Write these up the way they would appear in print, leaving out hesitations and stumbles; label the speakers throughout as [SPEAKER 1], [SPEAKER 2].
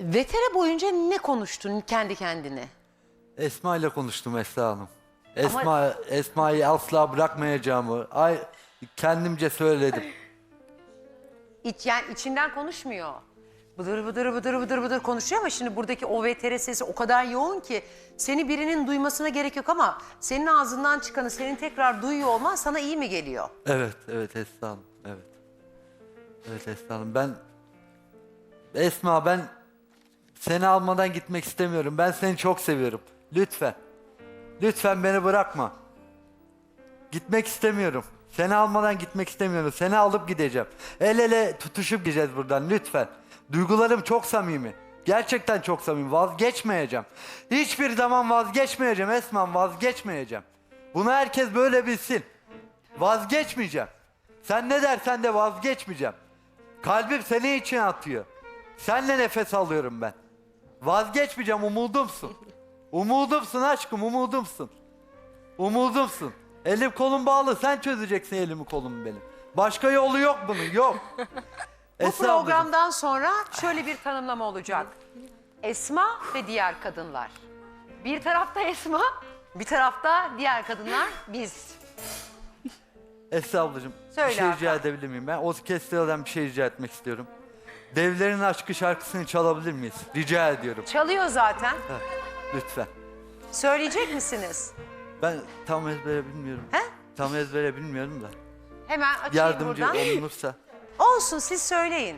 [SPEAKER 1] Vetere boyunca ne konuştun kendi kendine?
[SPEAKER 2] Esma ile konuştum Esra Hanım.
[SPEAKER 1] Ama-
[SPEAKER 2] Esma'yı asla bırakmayacağımı kendimce söyledim.
[SPEAKER 1] Yani içinden konuşmuyor. Bıdır bıdır bıdır bıdır bıdır konuşuyor ama şimdi buradaki o vetere sesi o kadar yoğun ki seni birinin duymasına gerek yok ama senin ağzından çıkanı senin tekrar duyuyor olman sana iyi mi geliyor?
[SPEAKER 2] Evet Esra Hanım, evet. Evet Esra Hanım, Esma ben seni almadan gitmek istemiyorum. Ben seni çok seviyorum. Lütfen. Lütfen beni bırakma. Gitmek istemiyorum. Seni almadan gitmek istemiyorum. Seni alıp gideceğim. El ele tutuşup gideceğiz buradan lütfen. Duygularım çok samimi. Gerçekten çok samimi. Vazgeçmeyeceğim. Hiçbir zaman vazgeçmeyeceğim Esma'm, vazgeçmeyeceğim. Bunu herkes böyle bilsin. Vazgeçmeyeceğim. Sen ne dersen de vazgeçmeyeceğim. Kalbim senin için atıyor. Seninle nefes alıyorum ben. Vazgeçmeyeceğim, umudumsun. Umudumsun aşkım, umudumsun. Umudumsun. Elim kolum bağlı, sen çözeceksin elimi kolumu benim. Başka yolu yok bunun, yok.
[SPEAKER 1] Bu programdan sonra şöyle bir tanımlama olacak. Esma ve diğer kadınlar. Bir tarafta Esma, bir tarafta diğer kadınlar biz.
[SPEAKER 2] Esra ablacığım,
[SPEAKER 1] Söyle
[SPEAKER 2] bir şey rica
[SPEAKER 1] Hakan.
[SPEAKER 2] edebilir miyim? Ben orkestradan bir şey rica etmek istiyorum. Devlerin Aşkı şarkısını çalabilir miyiz? Rica ediyorum.
[SPEAKER 1] Çalıyor zaten.
[SPEAKER 2] Lütfen.
[SPEAKER 1] Söyleyecek misiniz?
[SPEAKER 2] Ben tam ezbere bilmiyorum.
[SPEAKER 1] He?
[SPEAKER 2] Tam ezbere bilmiyorum da.
[SPEAKER 1] Hemen açayım
[SPEAKER 2] Yardımcı
[SPEAKER 1] buradan.
[SPEAKER 2] olunursa.
[SPEAKER 1] Olsun siz söyleyin.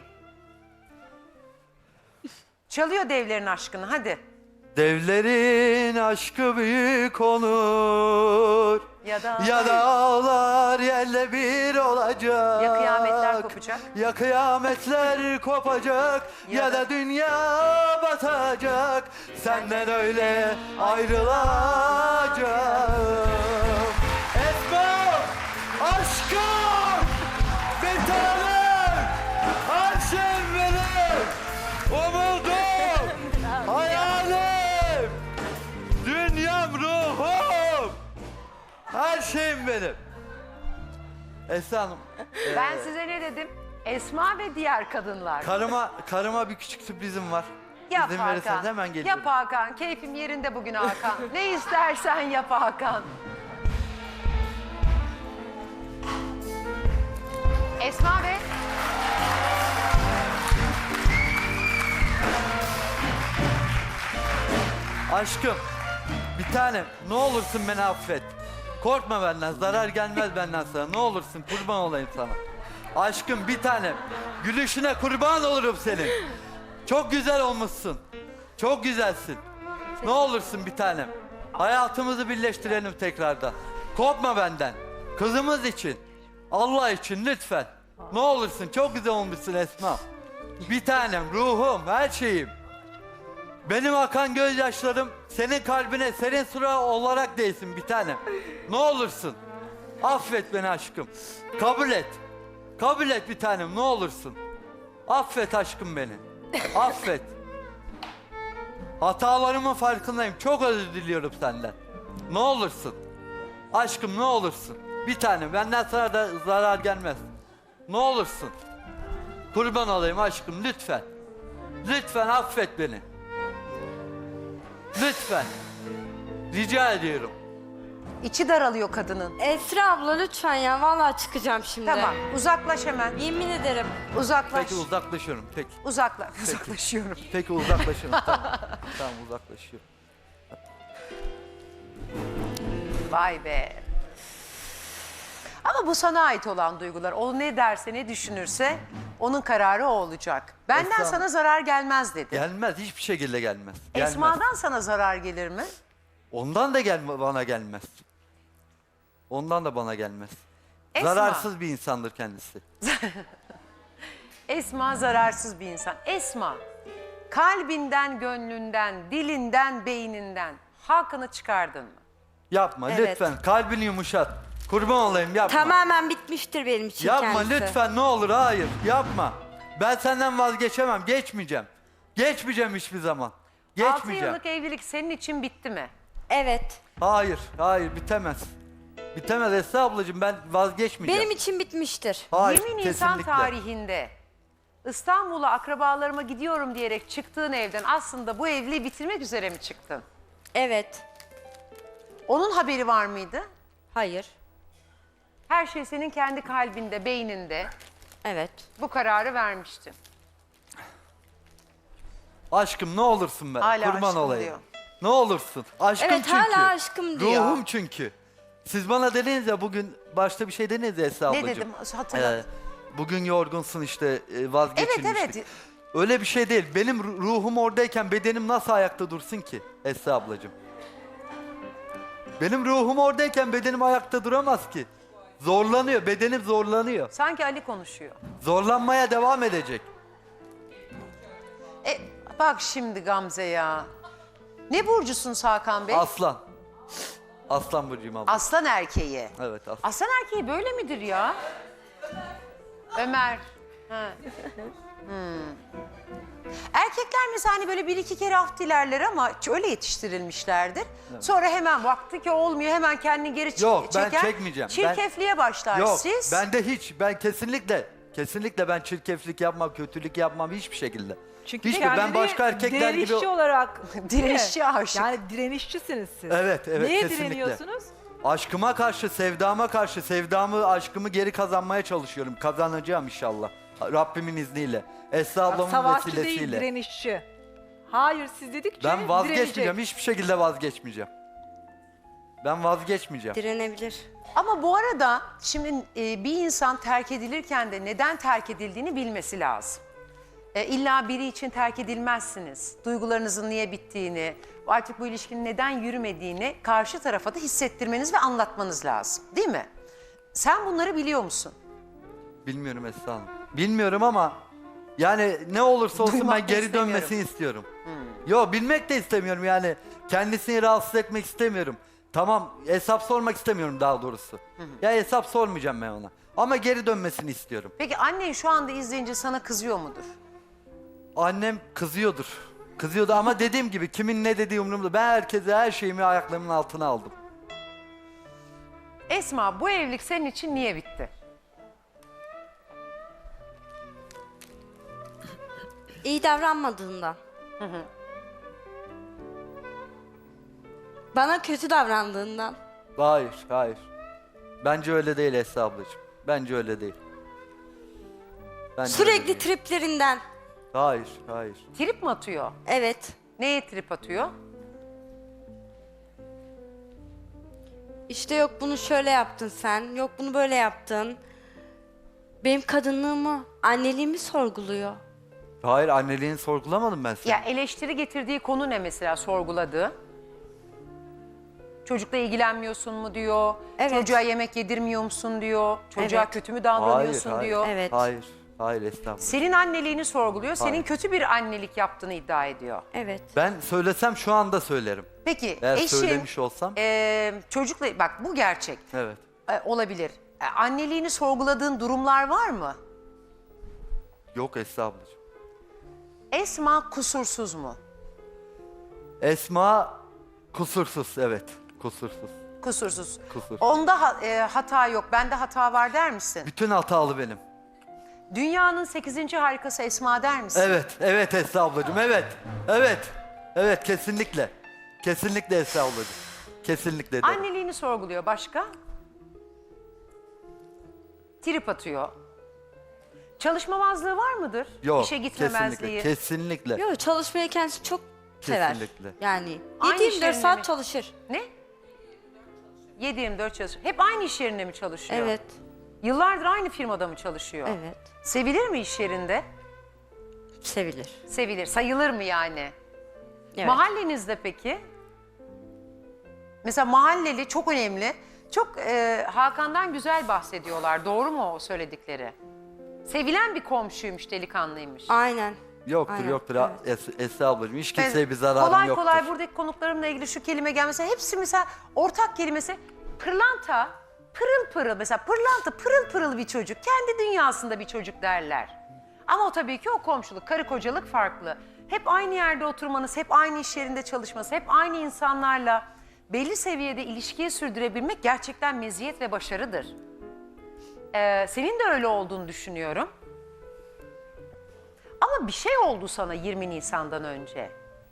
[SPEAKER 1] Çalıyor devlerin aşkını hadi.
[SPEAKER 2] Devlerin aşkı büyük olur.
[SPEAKER 1] Ya da-
[SPEAKER 2] Ya dağlar yerle bir olacak.
[SPEAKER 1] Ya kıyametler kopacak.
[SPEAKER 2] Ya kıyametler kopacak.
[SPEAKER 1] Ya
[SPEAKER 2] Ya
[SPEAKER 1] da-
[SPEAKER 2] da dünya batacak. Senden öyle ayrılacağım. Esma! Aşkım! Bir tanem! Her şey benim! Umudum! Hayalim! Dünyam, ruhum! Her şeyim benim. Esra Hanım,
[SPEAKER 1] Ben size ne dedim? Esma ve diğer kadınlar.
[SPEAKER 2] karıma bir küçük sürprizim var.
[SPEAKER 1] Yap
[SPEAKER 2] İzin verirseniz
[SPEAKER 1] Hakan.
[SPEAKER 2] hemen geliyorum.
[SPEAKER 1] Yap Hakan. Keyfim yerinde bugün Hakan. Ne istersen yap Hakan. Esma ve
[SPEAKER 2] Aşkım, bir tanem, ne olursun beni affet. Korkma benden, zarar gelmez benden sana. Ne olursun, kurban olayım sana. Aşkım, bir tanem, gülüşüne kurban olurum senin. Çok güzel olmuşsun. Çok güzelsin. Ne olursun bir tanem. Hayatımızı birleştirelim tekrardan. Korkma benden. Kızımız için. Allah için lütfen. Ne olursun, çok güzel olmuşsun Esma. Bir tanem, ruhum, her şeyim. Benim akan gözyaşlarım senin kalbine serin sıra olarak değsin bir tanem. Ne olursun. Affet beni aşkım. Kabul et. Kabul et bir tanem, ne olursun. Affet aşkım beni. Affet. Hatalarımın farkındayım. Çok özür diliyorum senden. Ne olursun. Aşkım ne olursun. Bir tanem, benden sana da zarar gelmez. Ne olursun. Kurban olayım aşkım, lütfen. Lütfen affet beni. Lütfen. Rica ediyorum.
[SPEAKER 1] içi daralıyor kadının.
[SPEAKER 3] Esra abla lütfen ya, vallahi çıkacağım şimdi.
[SPEAKER 1] Tamam uzaklaş hemen.
[SPEAKER 3] Yemin ederim.
[SPEAKER 1] Uzaklaş.
[SPEAKER 2] Peki uzaklaşıyorum. Peki.
[SPEAKER 1] Uzaklaşıyorum.
[SPEAKER 2] Peki uzaklaşıyorum. Tamam. Tamam uzaklaşıyorum.
[SPEAKER 1] Vay be. Ama bu sana ait olan duygular. O ne derse ne düşünürse onun kararı o olacak. Benden
[SPEAKER 2] Esra-
[SPEAKER 1] sana zarar gelmez dedi.
[SPEAKER 2] Gelmez. Hiçbir şekilde gelmez. Gelmez.
[SPEAKER 1] Esma'dan sana zarar gelir mi?
[SPEAKER 2] Ondan da bana gelmez. Ondan da bana gelmez.
[SPEAKER 1] Esma.
[SPEAKER 2] Zararsız bir insandır kendisi.
[SPEAKER 1] Esma zararsız bir insan. Esma, kalbinden, gönlünden, dilinden, beyninden hakkını çıkardın mı?
[SPEAKER 2] Yapma
[SPEAKER 3] Evet.
[SPEAKER 2] lütfen. Kalbini yumuşat. Kurban olayım yapma.
[SPEAKER 3] Tamamen bitmiştir benim için
[SPEAKER 2] Yapma
[SPEAKER 3] kendisi.
[SPEAKER 2] lütfen ne olur, hayır yapma. Ben senden vazgeçemem, geçmeyeceğim. Geçmeyeceğim hiçbir zaman.
[SPEAKER 1] 6
[SPEAKER 2] Geçmeyeceğim.
[SPEAKER 1] yıllık evlilik senin için bitti mi?
[SPEAKER 3] Evet.
[SPEAKER 2] Hayır bitemez. Bitemez Esra ablacığım, ben vazgeçmeyeceğim.
[SPEAKER 3] Benim için bitmiştir.
[SPEAKER 2] Hayır
[SPEAKER 1] 20 Nisan
[SPEAKER 2] kesinlikle.
[SPEAKER 1] tarihinde İstanbul'a akrabalarıma gidiyorum diyerek çıktığın evden aslında bu evliliği bitirmek üzere mi çıktın?
[SPEAKER 3] Evet.
[SPEAKER 1] Onun haberi var mıydı?
[SPEAKER 3] Hayır.
[SPEAKER 1] Her şey senin kendi kalbinde, beyninde.
[SPEAKER 3] Evet.
[SPEAKER 1] Bu kararı vermiştin.
[SPEAKER 2] Aşkım ne olursun ben.
[SPEAKER 1] Hala
[SPEAKER 2] Kurban
[SPEAKER 1] aşkım
[SPEAKER 2] olayım.
[SPEAKER 1] diyor.
[SPEAKER 2] Ne olursun. Aşkım
[SPEAKER 3] Evet,
[SPEAKER 2] çünkü.
[SPEAKER 3] hala aşkım diyor.
[SPEAKER 2] Ruhum çünkü. Siz bana dediniz ya bugün başta bir şey dediniz ya Esra
[SPEAKER 1] Ne
[SPEAKER 2] ablacığım.
[SPEAKER 1] dedim? Hatırla.
[SPEAKER 2] Bugün yorgunsun işte vazgeçilmiştik.
[SPEAKER 1] Evet, evet.
[SPEAKER 2] Öyle bir şey değil. Benim ruhum oradayken bedenim nasıl ayakta dursun ki Esra ablacığım? Benim ruhum oradayken bedenim ayakta duramaz ki. Zorlanıyor, bedenim zorlanıyor.
[SPEAKER 1] Sanki Ali konuşuyor.
[SPEAKER 2] Zorlanmaya devam edecek.
[SPEAKER 1] Bak şimdi Gamze ya. Ne burcusun Hakan Bey?
[SPEAKER 2] Aslan. Aslan burcuyum abla.
[SPEAKER 1] Aslan erkeği.
[SPEAKER 2] Evet aslan.
[SPEAKER 1] Aslan erkeği böyle midir ya? Ömer. Ha. Erkekler mesela hani böyle bir iki kere af dilerler ama öyle yetiştirilmişlerdir. Sonra hemen baktı ki olmuyor hemen kendini geri
[SPEAKER 2] Yok, ben
[SPEAKER 1] çeker.
[SPEAKER 2] çekmeyeceğim.
[SPEAKER 1] Çirkefliğe başlar
[SPEAKER 2] Yok
[SPEAKER 1] siz.
[SPEAKER 2] ben kesinlikle ben çirkeflik yapmam, kötülük yapmam hiçbir şekilde.
[SPEAKER 4] Çünkü
[SPEAKER 2] Hiçbir, ben
[SPEAKER 4] kendini
[SPEAKER 2] başka erkekler gibi...
[SPEAKER 4] direnişçi olarak
[SPEAKER 1] Direnişçi aşık.
[SPEAKER 4] Yani direnişçisiniz siz.
[SPEAKER 2] Evet,
[SPEAKER 4] Neye
[SPEAKER 2] kesinlikle.
[SPEAKER 4] direniyorsunuz?
[SPEAKER 2] Aşkıma karşı, sevdama karşı, aşkımı geri kazanmaya çalışıyorum. Kazanacağım inşallah. Rabbimin izniyle. Esra ablamın
[SPEAKER 4] Savaşçı değil,
[SPEAKER 2] vesilesiyle.
[SPEAKER 4] direnişçi. Hayır, siz dedikçe
[SPEAKER 2] Ben vazgeçmeyeceğim,
[SPEAKER 4] direnecek.
[SPEAKER 2] hiçbir şekilde vazgeçmeyeceğim. Ben vazgeçmeyeceğim.
[SPEAKER 3] Direnebilir.
[SPEAKER 1] Ama bu arada şimdi bir insan terk edilirken de neden terk edildiğini bilmesi lazım. İlla biri için terk edilmezsiniz. Duygularınızın niye bittiğini, artık bu ilişkinin neden yürümediğini karşı tarafa da hissettirmeniz ve anlatmanız lazım. Değil mi? Sen bunları biliyor musun?
[SPEAKER 2] Bilmiyorum Esra Hanım. Bilmiyorum ama yani ne olursa olsun
[SPEAKER 1] Duymak
[SPEAKER 2] ben
[SPEAKER 1] da
[SPEAKER 2] geri
[SPEAKER 1] istemiyorum.
[SPEAKER 2] dönmesini istiyorum. Yo bilmek de istemiyorum yani. Kendisini rahatsız etmek istemiyorum. Tamam hesap sormak istemiyorum daha doğrusu. Ya hesap sormayacağım ben ona. Ama geri dönmesini istiyorum.
[SPEAKER 1] Peki annen şu anda izleyince sana kızıyor mudur?
[SPEAKER 2] Annem kızıyordur. Kızıyordu ama dediğim gibi kimin ne dediği umurumda. Ben herkese her şeyimi ayaklarımın altına aldım.
[SPEAKER 1] Esma bu evlilik senin için niye bitti?
[SPEAKER 3] İyi davranmadığından. Bana kötü davrandığından.
[SPEAKER 2] Hayır. Bence öyle değil Esra ablacığım. Bence öyle değil. Bence öyle
[SPEAKER 3] Sürekli
[SPEAKER 2] değil.
[SPEAKER 3] triplerinden.
[SPEAKER 2] Hayır.
[SPEAKER 1] Trip mi atıyor?
[SPEAKER 3] Evet.
[SPEAKER 1] Neye trip atıyor?
[SPEAKER 3] İşte yok bunu şöyle yaptın sen, yok bunu böyle yaptın. Benim kadınlığımı, anneliğimi sorguluyor.
[SPEAKER 2] Hayır anneliğini sorgulamadım ben seni.
[SPEAKER 1] Ya eleştiri getirdiği konu ne mesela sorguladığı? Çocukla ilgilenmiyorsun mu diyor.
[SPEAKER 3] Evet.
[SPEAKER 1] Çocuğa yemek yedirmiyor musun diyor. Çocuğa
[SPEAKER 3] Evet.
[SPEAKER 1] kötü mü davranıyorsun diyor.
[SPEAKER 3] Evet.
[SPEAKER 2] Hayır estağfurullah.
[SPEAKER 1] Senin anneliğini sorguluyor. Senin
[SPEAKER 2] Hayır.
[SPEAKER 1] kötü bir annelik yaptığını iddia ediyor.
[SPEAKER 3] Evet.
[SPEAKER 2] Ben söylesem şu anda söylerim.
[SPEAKER 1] Peki
[SPEAKER 2] Eğer
[SPEAKER 1] eşin
[SPEAKER 2] söylemiş olsam.
[SPEAKER 1] çocukla bak bu gerçek.
[SPEAKER 2] Evet.
[SPEAKER 1] Olabilir. Anneliğini sorguladığın durumlar var mı?
[SPEAKER 2] Yok Esra ablacığım.
[SPEAKER 1] Esma kusursuz mu?
[SPEAKER 2] Esma kusursuz evet. Kusursuz.
[SPEAKER 1] Kusursuz.
[SPEAKER 2] Kusursuz.
[SPEAKER 1] Onda hata yok. Bende hata var der misin?
[SPEAKER 2] Bütün hatalı benim.
[SPEAKER 1] Dünyanın 8. harikası Esma der misin?
[SPEAKER 2] Evet Esra ablacığım evet kesinlikle. Kesinlikle Esra ablacığım. Kesinlikle derim.
[SPEAKER 1] Anneliğini sorguluyor. Başka? Trip atıyor. Çalışmamazlığı var mıdır?
[SPEAKER 2] Yok
[SPEAKER 1] İşe gitmemezliği.
[SPEAKER 2] kesinlikle.
[SPEAKER 3] Yok çalışmayı kendisi çok sever.
[SPEAKER 2] Kesinlikle.
[SPEAKER 3] Yani
[SPEAKER 1] Aynı
[SPEAKER 3] 7-24
[SPEAKER 1] iş yerinde
[SPEAKER 3] saat
[SPEAKER 1] mi?
[SPEAKER 3] çalışır.
[SPEAKER 1] Ne? 7/24 çalışıyor. Hep aynı iş yerinde mi çalışıyor?
[SPEAKER 3] Evet.
[SPEAKER 1] Yıllardır aynı firmada mı çalışıyor?
[SPEAKER 3] Evet.
[SPEAKER 1] Sevilir mi iş yerinde?
[SPEAKER 3] Sevilir.
[SPEAKER 1] Sevilir. Sayılır mı yani?
[SPEAKER 3] Evet.
[SPEAKER 1] Mahallenizde peki? Mesela mahalleli çok önemli. Çok Hakan'dan güzel bahsediyorlar. Doğru mu o söyledikleri? Sevilen bir komşuymuş, delikanlıymış.
[SPEAKER 3] Aynen.
[SPEAKER 2] Yoktur
[SPEAKER 3] Aynen,
[SPEAKER 2] Esra ablacığım. Hiç
[SPEAKER 1] Ben
[SPEAKER 2] kimseye bir zararım
[SPEAKER 1] kolay
[SPEAKER 2] yoktur.
[SPEAKER 1] kolay buradaki konuklarımla ilgili şu kelime gelmese hepsi mesela ortak kelimesi pırlanta, pırıl pırıl mesela pırlanta pırıl pırıl bir çocuk, kendi dünyasında bir çocuk derler. Ama o tabii ki o komşuluk, karı kocalık farklı. Hep aynı yerde oturmanız, hep aynı iş yerinde çalışması, hep aynı insanlarla belli seviyede ilişkiyi sürdürebilmek gerçekten meziyet ve başarıdır. Senin de öyle olduğunu düşünüyorum. Ama bir şey oldu sana 20 Nisan'dan önce.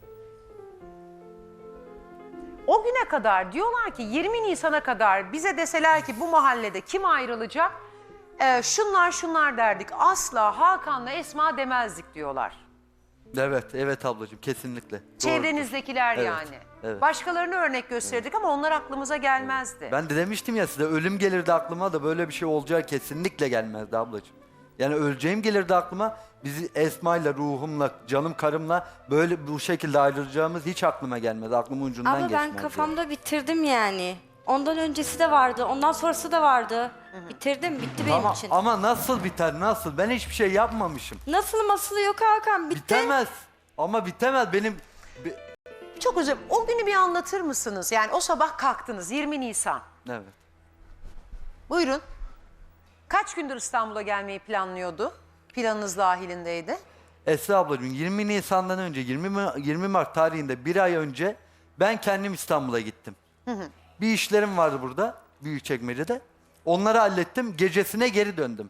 [SPEAKER 1] O güne kadar diyorlar ki 20 Nisan'a kadar bize deseler ki bu mahallede kim ayrılacak? Şunlar derdik. Asla Hakan'la Esma demezdik diyorlar.
[SPEAKER 2] Evet, evet ablacığım kesinlikle. Doğrudur.
[SPEAKER 1] Çevrenizdekiler
[SPEAKER 2] Evet,
[SPEAKER 1] yani.
[SPEAKER 2] evet.
[SPEAKER 1] Başkalarını örnek gösterdik ama onlar aklımıza gelmezdi.
[SPEAKER 2] Ben de demiştim ya size, ölüm gelirdi aklıma da böyle bir şey olacağı kesinlikle gelmezdi ablacığım. Yani öleceğim gelirdi aklıma, bizi Esma'yla, ruhumla, canım karımla böyle bu şekilde ayrılacağımız hiç aklıma gelmedi. Aklımın ucundan
[SPEAKER 3] Ama
[SPEAKER 2] geçmezdi.
[SPEAKER 3] ben kafamda bitirdim yani. Ondan öncesi de vardı, ondan sonrası da vardı. Bitirdim, bitti benim için.
[SPEAKER 2] Ama nasıl biter, nasıl? Ben hiçbir şey yapmamışım.
[SPEAKER 3] Nasıl masılı yok Hakan, bitti.
[SPEAKER 2] Bitemez. Ama bitemez benim...
[SPEAKER 1] Çok özür dilerim. O günü bir anlatır mısınız? Yani o sabah kalktınız 20 Nisan.
[SPEAKER 2] Evet.
[SPEAKER 1] Buyurun. Kaç gündür İstanbul'a gelmeyi planlıyordu? Planınız dahilindeydi.
[SPEAKER 2] Esra ablacığım 20 Nisan'dan önce 20 Mart tarihinde bir ay önce ben kendim İstanbul'a gittim. Bir işlerim vardı burada Büyükçekmece'de. Onları hallettim. Gecesine geri döndüm.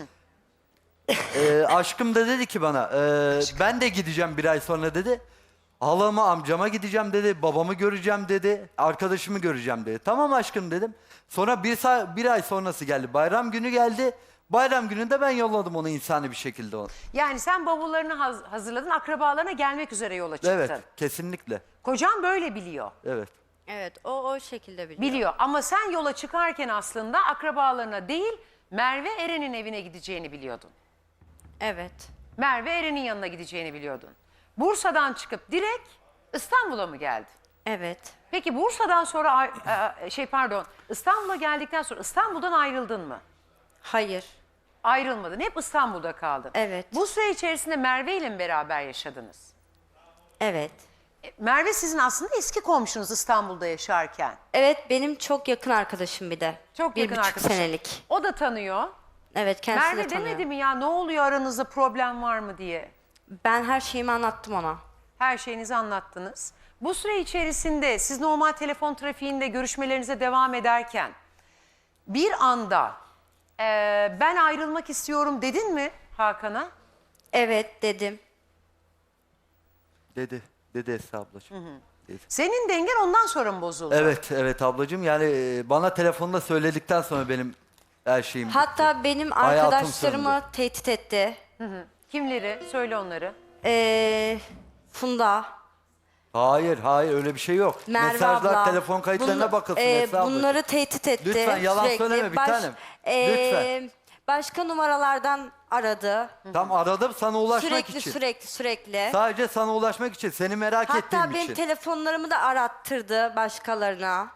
[SPEAKER 2] Aşkım da dedi ki bana ben de gideceğim bir ay sonra dedi. Halama amcama gideceğim dedi. Babamı göreceğim dedi. Arkadaşımı göreceğim dedi. Tamam aşkım dedim. Sonra bir ay sonrası geldi. Bayram günü geldi. Bayram gününde ben yolladım onu insani bir şekilde.
[SPEAKER 1] Yani sen bavullarını hazırladın, akrabalarına gelmek üzere yola çıktın.
[SPEAKER 2] Evet, kesinlikle.
[SPEAKER 1] Kocan böyle biliyor.
[SPEAKER 2] Evet.
[SPEAKER 3] Evet, o şekilde biliyor.
[SPEAKER 1] Biliyor ama sen yola çıkarken aslında akrabalarına değil Merve Eren'in evine gideceğini biliyordun.
[SPEAKER 3] Evet.
[SPEAKER 1] Merve Eren'in yanına gideceğini biliyordun. Bursa'dan çıkıp direkt İstanbul'a mı geldin?
[SPEAKER 3] Evet.
[SPEAKER 1] Peki Bursa'dan sonra İstanbul'a geldikten sonra İstanbul'dan ayrıldın mı?
[SPEAKER 3] Hayır.
[SPEAKER 1] Ayrılmadın. Hep İstanbul'da kaldın.
[SPEAKER 3] Evet.
[SPEAKER 1] Bu süre içerisinde Merve ile mi beraber yaşadınız?
[SPEAKER 3] Evet.
[SPEAKER 1] Merve sizin aslında eski komşunuz İstanbul'da yaşarken.
[SPEAKER 3] Evet, benim çok yakın arkadaşım bir de.
[SPEAKER 1] Çok
[SPEAKER 3] bir
[SPEAKER 1] yakın
[SPEAKER 3] buçuk
[SPEAKER 1] arkadaşım.
[SPEAKER 3] senelik.
[SPEAKER 1] O da tanıyor.
[SPEAKER 3] Evet, kendisi
[SPEAKER 1] Merve
[SPEAKER 3] de tanıyor.
[SPEAKER 1] demedi mi ya ne oluyor aranızda problem var mı diye?
[SPEAKER 3] Ben her şeyimi anlattım ona.
[SPEAKER 1] Her şeyinizi anlattınız. Bu süre içerisinde siz normal telefon trafiğinde görüşmelerinize devam ederken bir anda ben ayrılmak istiyorum dedin mi Hakan'a?
[SPEAKER 3] Evet dedim.
[SPEAKER 2] Dedi Esra ablacığım. Dedi.
[SPEAKER 1] Senin dengen ondan sonra mı bozuldu?
[SPEAKER 2] Evet ablacığım yani bana telefonda söyledikten sonra benim her şeyim bitti.
[SPEAKER 3] Hatta benim
[SPEAKER 2] Hayatım
[SPEAKER 3] arkadaşlarımı
[SPEAKER 2] söndü.
[SPEAKER 3] tehdit etti.
[SPEAKER 1] Kimleri? Söyle onları.
[SPEAKER 3] Funda,
[SPEAKER 2] Hayır öyle bir şey yok.
[SPEAKER 3] Merve
[SPEAKER 2] Mesajlar
[SPEAKER 3] abla.
[SPEAKER 2] telefon kayıtlarına bakılsın Esra ablacığım.
[SPEAKER 3] bunları tehdit etti.
[SPEAKER 2] Lütfen yalan
[SPEAKER 3] sürekli.
[SPEAKER 2] söyleme bir tanem. Lütfen.
[SPEAKER 3] Başka numaralardan aradı.
[SPEAKER 2] Tam aradım sana ulaşmak için.
[SPEAKER 3] Sürekli.
[SPEAKER 2] Sadece sana ulaşmak için, seni merak
[SPEAKER 3] Hatta
[SPEAKER 2] ettiğim
[SPEAKER 3] benim
[SPEAKER 2] için.
[SPEAKER 3] telefonlarımı da arattırdı başkalarına.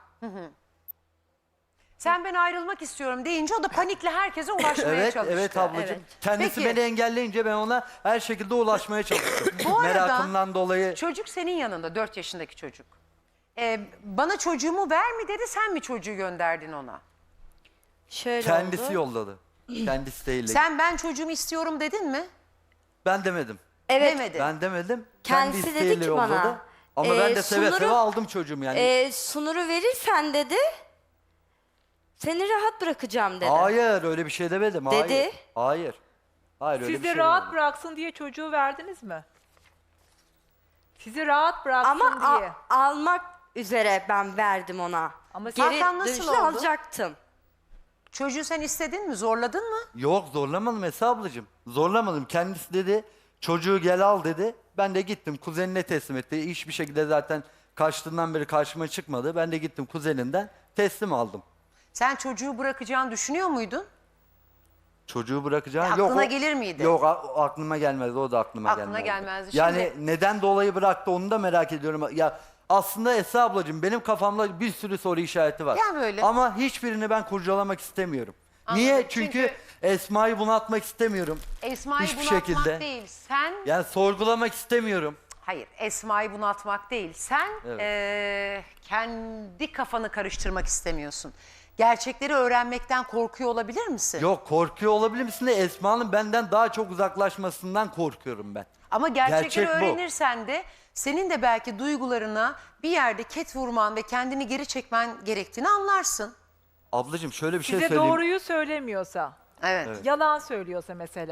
[SPEAKER 1] Sen ben ayrılmak istiyorum deyince o da panikle herkese ulaşmaya çalıştı.
[SPEAKER 2] Evet ablacığım.
[SPEAKER 3] Evet.
[SPEAKER 2] Kendisi
[SPEAKER 1] Peki.
[SPEAKER 2] beni engelleyince ben ona her şekilde ulaşmaya çalıştım.
[SPEAKER 1] Bu arada
[SPEAKER 2] Merakımdan dolayı.
[SPEAKER 1] çocuk senin yanında 4 yaşındaki çocuk. Bana çocuğumu ver mi dedi sen mi çocuğu gönderdin ona?
[SPEAKER 3] Şöyle
[SPEAKER 2] Kendisi
[SPEAKER 3] oldu.
[SPEAKER 2] yolladı. Kendisi değil.
[SPEAKER 1] Sen ben çocuğumu istiyorum dedin mi?
[SPEAKER 2] Ben demedim.
[SPEAKER 3] Evet.
[SPEAKER 1] Demedi.
[SPEAKER 2] Ben demedim.
[SPEAKER 3] Kendisi
[SPEAKER 2] Kendi
[SPEAKER 3] dedi
[SPEAKER 2] isteğiyle
[SPEAKER 3] ki bana,
[SPEAKER 2] yolladı. Ama ben de seve
[SPEAKER 3] Sunur'u-
[SPEAKER 2] seve aldım çocuğum yani.
[SPEAKER 3] Sunur'u verirsen dedi, seni rahat bırakacağım dedi.
[SPEAKER 2] Hayır öyle bir şey demedim. Hayır.
[SPEAKER 3] Dedi.
[SPEAKER 2] Hayır. Hayır öyle
[SPEAKER 4] Siz
[SPEAKER 2] bir
[SPEAKER 4] de
[SPEAKER 2] şey
[SPEAKER 4] rahat
[SPEAKER 2] demedim.
[SPEAKER 4] bıraksın diye çocuğu verdiniz mi? Sizi rahat bıraksın
[SPEAKER 3] Ama
[SPEAKER 4] diye.
[SPEAKER 3] almak üzere ben verdim ona.
[SPEAKER 4] Ama
[SPEAKER 3] Geri
[SPEAKER 1] Hakan nasıl
[SPEAKER 3] dönüşte
[SPEAKER 1] oldu?
[SPEAKER 3] alacaktım.
[SPEAKER 1] Çocuğu sen istedin mi? Zorladın mı?
[SPEAKER 2] Yok zorlamadım Esra ablacığım. Zorlamadım. Kendisi dedi çocuğu gel al dedi. Ben de gittim kuzenine teslim etti. Hiçbir şekilde zaten kaçtığından beri karşıma çıkmadı. Ben de gittim kuzeninden teslim aldım.
[SPEAKER 1] Sen çocuğu bırakacağını düşünüyor muydun?
[SPEAKER 2] Çocuğu bırakacağım.
[SPEAKER 1] Aklına gelir miydi?
[SPEAKER 2] Yok aklıma gelmezdi. O da aklıma
[SPEAKER 1] Aklına
[SPEAKER 2] gelmezdi.
[SPEAKER 1] gelmezdi.
[SPEAKER 2] Yani
[SPEAKER 1] Şimdi-
[SPEAKER 2] neden dolayı bıraktı onu da merak ediyorum. Ya aslında Esra ablacığım benim kafamda bir sürü soru işareti var.
[SPEAKER 1] Ya böyle.
[SPEAKER 2] Ama hiçbirini ben kurcalamak istemiyorum.
[SPEAKER 1] Anladım.
[SPEAKER 2] Niye?
[SPEAKER 1] Çünkü-
[SPEAKER 2] Çünkü Esma'yı bunaltmak istemiyorum.
[SPEAKER 1] Esma'yı
[SPEAKER 2] Hiçbir
[SPEAKER 1] bunaltmak
[SPEAKER 2] şekilde.
[SPEAKER 1] değil. Sen
[SPEAKER 2] Yani sorgulamak istemiyorum.
[SPEAKER 1] hayır Esma'yı bunaltmak değil. Sen
[SPEAKER 2] Evet.
[SPEAKER 1] kendi kafanı karıştırmak istemiyorsun. Gerçekleri öğrenmekten korkuyor olabilir misin?
[SPEAKER 2] Yok korkuyor olabilir misin de Esma'nın benden daha çok uzaklaşmasından korkuyorum ben.
[SPEAKER 1] Ama gerçekleri
[SPEAKER 2] Gerçek bu.
[SPEAKER 1] öğrenirsen de senin de belki duygularına bir yerde ket vurman ve kendini geri çekmen gerektiğini anlarsın.
[SPEAKER 2] Ablacığım şöyle bir şey
[SPEAKER 4] Size
[SPEAKER 2] söyleyeyim.
[SPEAKER 4] doğruyu söylemiyorsa,
[SPEAKER 1] Evet.
[SPEAKER 4] yalan söylüyorsa mesela.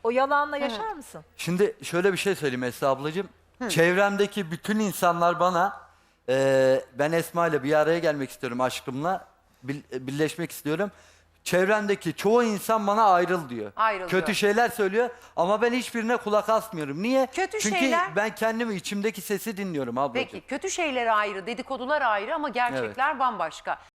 [SPEAKER 4] O yalanla yaşar mısın?
[SPEAKER 2] Şimdi şöyle bir şey söyleyeyim Esra ablacığım. Çevremdeki bütün insanlar bana ben Esma ile bir araya gelmek istiyorum aşkımla. Birleşmek istiyorum. Çevremdeki çoğu insan bana ayrıl diyor.
[SPEAKER 1] Ayrıl
[SPEAKER 2] Kötü
[SPEAKER 1] diyor.
[SPEAKER 2] şeyler söylüyor ama ben hiçbirine kulak asmıyorum. Niye?
[SPEAKER 1] Kötü
[SPEAKER 2] Çünkü
[SPEAKER 1] şeyler-
[SPEAKER 2] ben kendimi içimdeki sesi dinliyorum ablacığım.
[SPEAKER 1] Peki kötü şeyler ayrı, dedikodular ayrı ama gerçekler bambaşka.